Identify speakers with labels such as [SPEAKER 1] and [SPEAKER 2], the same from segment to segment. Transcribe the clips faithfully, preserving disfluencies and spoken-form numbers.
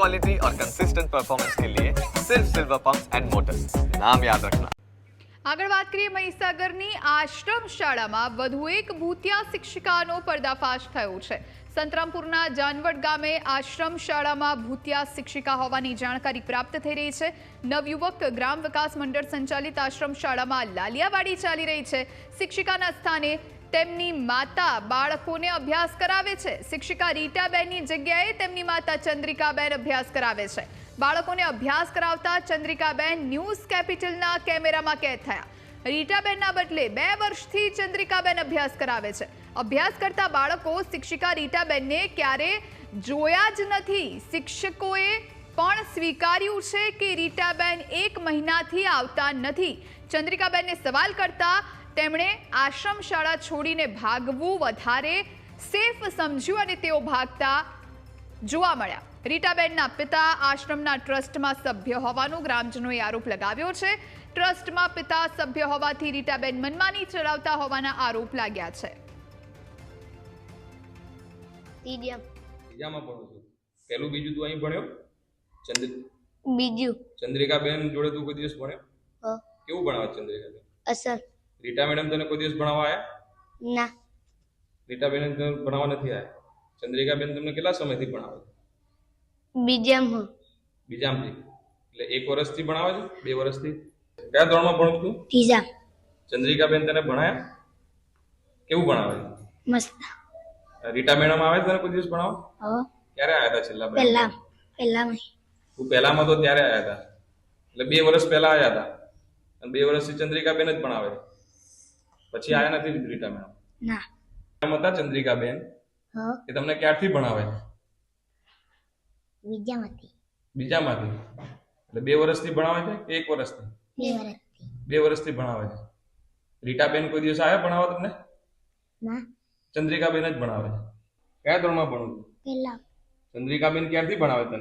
[SPEAKER 1] Quality और consistent performance के लिए सिर्फ सिल्वर पंप्स एंड मोटर्स, नाम याद रखना।
[SPEAKER 2] આગળ વાત કરીએ મહીસાગરની આશ્રમ શાળામાં વધુ એક ભૂતિયા શિક્ષિકાનો પર્દાફાશ થયો છે। સંતરામપુરના જાનવડ ગામે આશ્રમ શાળામાં ભૂતિયા શિક્ષિકા હોવાની જાણકારી પ્રાપ્ત થઈ રહી છે। નવયુવક ગ્રામ વિકાસ મંડળ સંચાલિત આશ્રમ શાળામાં લાલિયાવાડી ચાલી રહી છે। શિક્ષિકાના સ્થાને તેમની માતા બાળકોને અભ્યાસ કરાવે છે। શિક્ષિકા રીટાબેનની જગ્યાએ તેમની માતા ચંદ્રિકાબેન અભ્યાસ કરાવે છે। બાળકોને અભ્યાસ કરાવતા ચંદ્રિકાબેન ન્યૂઝ કેપિટલના કેમેરામાં કેદ થયા। રીટાબેનના બદલે બે વર્ષથી ચંદ્રિકાબેન અભ્યાસ કરાવે છે। અભ્યાસ કરતા બાળકો શિક્ષિકા રીટાબેનને ક્યારે જોયા જ નથી। શિક્ષકોએ પણ સ્વીકાર્યું છે કે રીટાબેન એક મહિનાથી આવતા નથી। ચંદ્રિકાબેનને સવાલ કરતા તેમણે આશ્રમ શાળા છોડીને ભાગવું વધારે સેફ સમજ્યું અને તેઓ ભાગતા જોવા મળ્યા। રીટાબેનના પિતા આશ્રમના ટ્રસ્ટમાં સભ્ય હોવાનો ગ્રામજનોએ આરોપ લગાવ્યો છે। ટ્રસ્ટમાં પિતા સભ્ય હોવાથી રીટાબેન મનમાની ચલાવતા હોવાના આરોપ લાગ્યા છે।
[SPEAKER 3] ત્રીજામાં ભણું છું। પહેલું બીજું તું અહીં ભણ્યો? ચંદ્ર
[SPEAKER 4] બીજું
[SPEAKER 3] ચંદ્રિકાબેન જોડે તું કોઈ દિવસ ભણ્યો?
[SPEAKER 4] હ
[SPEAKER 3] કેવું ભણાવે ચંદ્રિકાબેન?
[SPEAKER 4] અસર
[SPEAKER 3] રીટા મેડમ તને કોઈ દિવસ ભણાવવા આયા?
[SPEAKER 4] ના
[SPEAKER 3] રીટાબેન તને ભણાવવા નથી આયા? ચંદ્રિકાબેન તમને કેટલા સમયથી ભણાવે છે?
[SPEAKER 4] બીજામાં
[SPEAKER 3] બીજામથી એટલે એક વર્ષથી ભણાવે છે? બે વર્ષથી? કયા ધોરણમાં ભણું છું?
[SPEAKER 4] ત્રીજા
[SPEAKER 3] ચંદ્રિકાબેન તને ભણાયા? કેવું ભણાવે છે?
[SPEAKER 4] મસ્ત
[SPEAKER 3] રીટા મેડમ આવે તને કોઈ દિવસ ભણાવવા?
[SPEAKER 4] હવે
[SPEAKER 3] ક્યારે આવ્યા હતા છેલ્લા?
[SPEAKER 4] પહેલા પહેલામાં
[SPEAKER 3] તું પહેલામાં તો ત્યારે આવ્યા હતા, એટલે બે વર્ષ પહેલા આવ્યા હતા અને બે વર્ષથી ચંદ્રિકાબેન જ ભણાવે છે, પછી આવ્યા નથી રીટા મેડમ?
[SPEAKER 4] ના
[SPEAKER 3] એમ હતા ચંદ્રિકાબેન
[SPEAKER 4] હ
[SPEAKER 3] એ તમને ક્યારથી ભણાવે છે?
[SPEAKER 4] બીજામાંથી
[SPEAKER 3] બીજામાંથી એટલે બે વર્ષથી ભણાવે છે કે એક વર્ષથી?
[SPEAKER 4] બે વર્ષથી
[SPEAKER 3] બે વર્ષથી ભણાવે છે। રીટાબેન કોઈ દિવસ આવ્યા ભણાવવા તમને?
[SPEAKER 4] ના
[SPEAKER 3] ચંદ્રિકાબેન જ ભણાવે છે। કયા ધોરણમાં ભણું છું?
[SPEAKER 4] પહેલા
[SPEAKER 3] ચંદ્રિકાબેન ક્યારથી ભણાવે તને?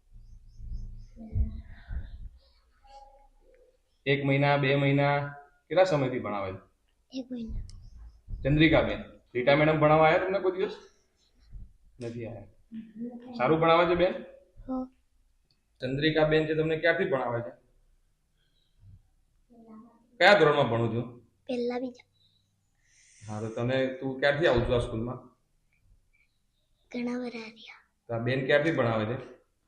[SPEAKER 3] એક મહિના, બે મહિના, કેટલા સમયથી ભણાવે છે
[SPEAKER 4] એક મહિના
[SPEAKER 3] ચંદ્રિકાબેન? રીટા મેડમ ભણાવવા આવ્યા તમને કોઈ દિવસ? નથી આવ્યા। સારું ભણાવે છે બેન?
[SPEAKER 4] હ
[SPEAKER 3] ચંદ્રિકાબેન છે તમને ક્યારથી ભણાવે છે? કયા ધોરણમાં ભણું છું?
[SPEAKER 4] પહેલા બીજા
[SPEAKER 3] હા તો તને તું ક્યારથી આવું છું આ સ્કૂલમાં?
[SPEAKER 4] ઘણા વરા રહ્યા
[SPEAKER 3] તો આ બેન ક્યારથી ભણાવે છે?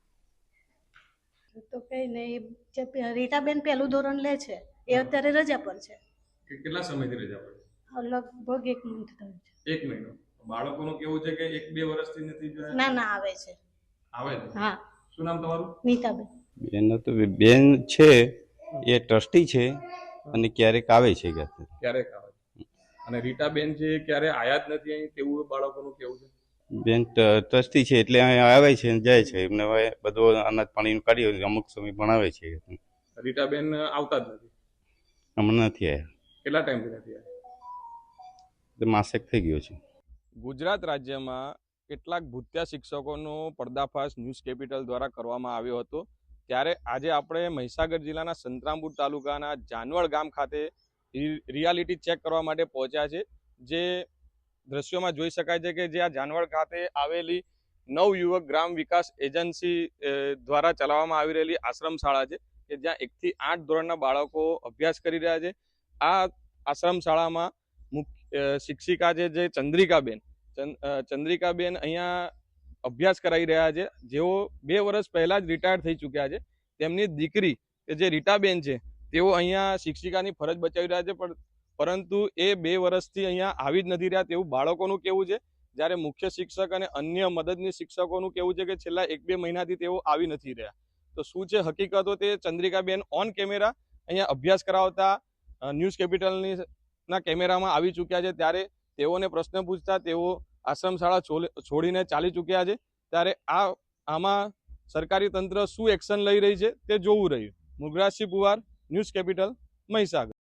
[SPEAKER 5] તો કઈ નહીં, જે રીટાબેન પહેલું ધોરણ લે છે એ અત્યારે રજા પર છે।
[SPEAKER 3] કે કેટલા સમયથી રજા પડે?
[SPEAKER 5] લગભગ એક મંથ થયું છે।
[SPEAKER 3] એક મહિનો। બાળકોનું કેવું છે કે એક બે વર્ષથી નથી જોયા?
[SPEAKER 5] ના ના આવે છે।
[SPEAKER 3] આવે છે?
[SPEAKER 5] હા
[SPEAKER 3] શું નામ તમારું?
[SPEAKER 5] નીતાબેન
[SPEAKER 6] બેન તો બેન છે એ ટ્રસ્ટી છે અને ક્યારેક આવે છે કે
[SPEAKER 3] ક્યારેક આવે છે અને રીટાબેન છે ક્યારે આયા જ નથી અહીં તેવું બાળકોનું કેવું છે?
[SPEAKER 6] બેન ટ્રસ્ટી છે એટલે અહીં આવે છે અને જાય છે, એમને હવે બધું અનાજ પાણીનું કાઢી અમુક સમય ભણાવે છે।
[SPEAKER 3] રીટાબેન આવતા જ નથી?
[SPEAKER 6] હમણાં નથી આવ્યા,
[SPEAKER 3] કેટલા ટાઈમથી નથી આવ્યા?
[SPEAKER 6] માસેક થઈ ગયો છે।
[SPEAKER 3] ગુજરાત રાજ્યમાં કેટલાક ભૂતિયા શિક્ષકોનો પર્દાફાશ ન્યૂઝ કેપિટલ દ્વારા કરવામાં આવ્યો હતો, ત્યારે આજે આપણે મહીસાગર જિલ્લાના સંતરામપુર તાલુકાના જાનવડ ગામ ખાતે રિયાલિટી ચેક કરવા માટે પહોંચ્યા છે। જે દ્રશ્યોમાં જોઈ શકાય છે કે જે આ જાનવડ ખાતે આવેલી નવયુવક ગ્રામ વિકાસ એજન્સી દ્વારા ચલાવવામાં આવી રહેલી આશ્રમ શાળા છે કે જ્યાં એકથી આઠ ધોરણના બાળકો અભ્યાસ કરી રહ્યા છે। આ આશ્રમ શાળામાં મુખ્ય શિક્ષિકા છે જે ચંદ્રિકાબેન ચંદ્રિકાબેન અહીંયા અભ્યાસ કરાવી રહ્યા છે, જેઓ બે વર્ષ પહેલા જ રિટાયર થઈ ચૂક્યા છે। તેમની દીકરી કે જે રીટાબેન છે તેઓ અહીંયા શિક્ષિકાની ફરજ બજાવી રહ્યા છે, પણ પરંતુ એ બે વર્ષથી અહીંયા આવી જ નથી રહ્યા તેવું બાળકોનું કહેવું છે। જ્યારે મુખ્ય શિક્ષક અને અન્ય મદદની શિક્ષકોનું કહેવું છે કે છેલ્લા એક બે મહિનાથી તેઓ આવી નથી રહ્યા। તો શું છે હકીકતો તે ચંદ્રિકાબેન ઓન કેમેરા અહીંયા અભ્યાસ કરાવતા ન્યૂઝ કેપિટલની ના કેમેરામાં આવી ચૂક્યા છે, ત્યારે તેઓને પ્રશ્ન પૂછતા તેઓ આશ્રમ શાળા છોડીને ચાલી ચૂક્યા છે। ત્યારે આ આમાં સરકારી તંત્ર શું એક્શન લઈ રહી છે તે જોવું રહ્યું। Mugrajsinh Puwar, news capital, Mahisagar.